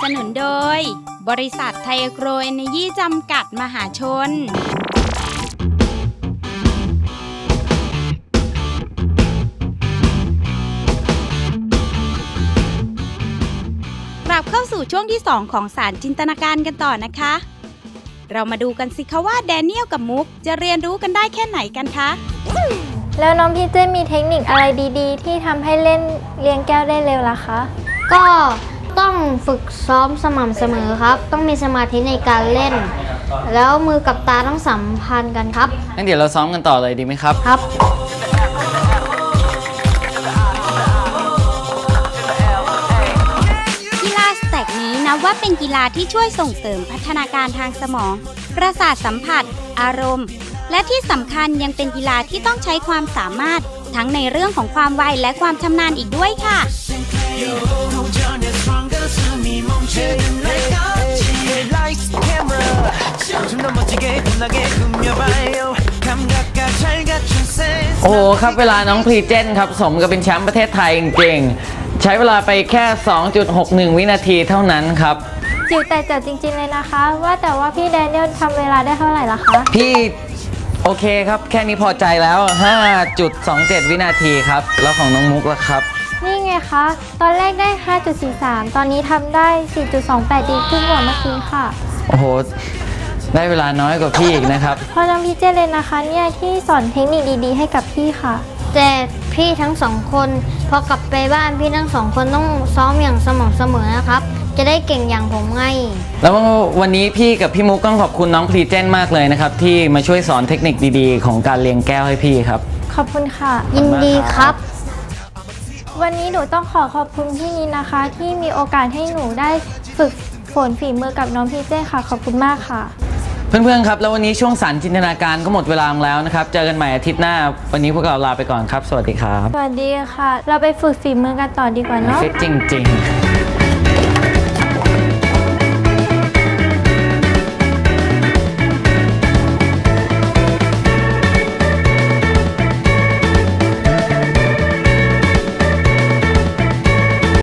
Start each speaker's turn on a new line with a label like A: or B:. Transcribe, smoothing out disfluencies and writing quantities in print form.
A: นุนโดยบริษัทไทยโกรเอเนยีจำกัดมหาชนกลับเข้าสู่ช่วงที่ 2 ของสารจินตนาการกันต่อนะคะเรามาดูกันสิคะว่าแดเนียลกับมุกจะเรียนรู้กันได้แค่ไหนกันคะ
B: แล้วน้องพี่เจมีเทคนิคอะไรดีๆที่ทำให้เล่นเลี้ยงแก้วได้เร็วล่ะคะ
C: ก็ต้องฝึกซ้อมสม่ำเสมอครับต้องมีสมาธิในการเล่นแล้วมือกับตาต้องสัมพันธ์กันครับ
D: งั้นเดี๋ยวเราซ้อมกันต่อเลยดีไหมครับ
C: ครับ
A: กีฬาสแต็กนี้นับว่าเป็นกีฬาที่ช่วยส่งเสริมพัฒนาการทางสมองประสาทสัมผัสอารมณ์และที่สำคัญยังเป็นกีฬาที่ต้องใช้ความสามารถทั้งในเรื่องของความไวและความชำนาญอีกด้วยค่ะ
D: โอ้โหครับเวลาน้องพรีเจนครับสมกับเป็นแชมป์ประเทศไทยจริงๆใช้เวลาไปแค่ 2.61 วินาทีเท่านั้นครับ
B: จิ๋วแต่เจ๋วจริงๆเลยนะคะว่าแต่ว่าพี่แดเนียลทำเวลาได้เท่าไหร่ล่ะคะ
D: พี่โอเคครับแค่นี้พอใจแล้ว 5.27 วินาทีครับแล้วของน้องมุกล่ะครับ
B: นี่ไงคะตอนแรกได้ 5.43 ตอนนี้ทำได้ 4.28 ดีขึ้นกว่าเมื่อกี้ค่ะ
D: โอ้โหได้เวลาน้อยกว่าพี่อีกนะครับ
B: เพราะน้องพี่เจเลยนะคะเนี่ยที่สอนเทคนิคดีๆให้กับพี่ค่ะ
C: แต่พี่ทั้งสองคนพอกลับไปบ้านพี่ทั้งสองคนต้องซ้อมอย่างสม่ำเสมอนะครับจะได้เก่งอย่างผมไง
D: แล้ววันนี้พี่กับพี่มุกต้องขอบคุณน้องพรีเจนมากเลยนะครับที่มาช่วยสอนเทคนิคดีๆของการเลี้ยงแก้วให้พี่ครับ
B: ขอบคุณค่ะ
C: ยินดีครับ
B: วันนี้หนูต้องขอบคุณพี่นินนะคะที่มีโอกาสให้หนูได้ฝึกฝนฝีมือกับน้องพี่เจค่ะขอบคุณมากค่ะ
D: เพื่อนๆครับแล้ววันนี้ช่วงสารจินตนาการก็หมดเวลาแล้วนะครับเจอกันใหม่อาทิตย์หน้าวันนี้พวกเราลาไปก่อนครับสวัสดีครับ
B: สวัสดีค่ะเราไปฝึกฝีมือกันต่อดีกว่าเนาะ
D: ฟิตจริงๆ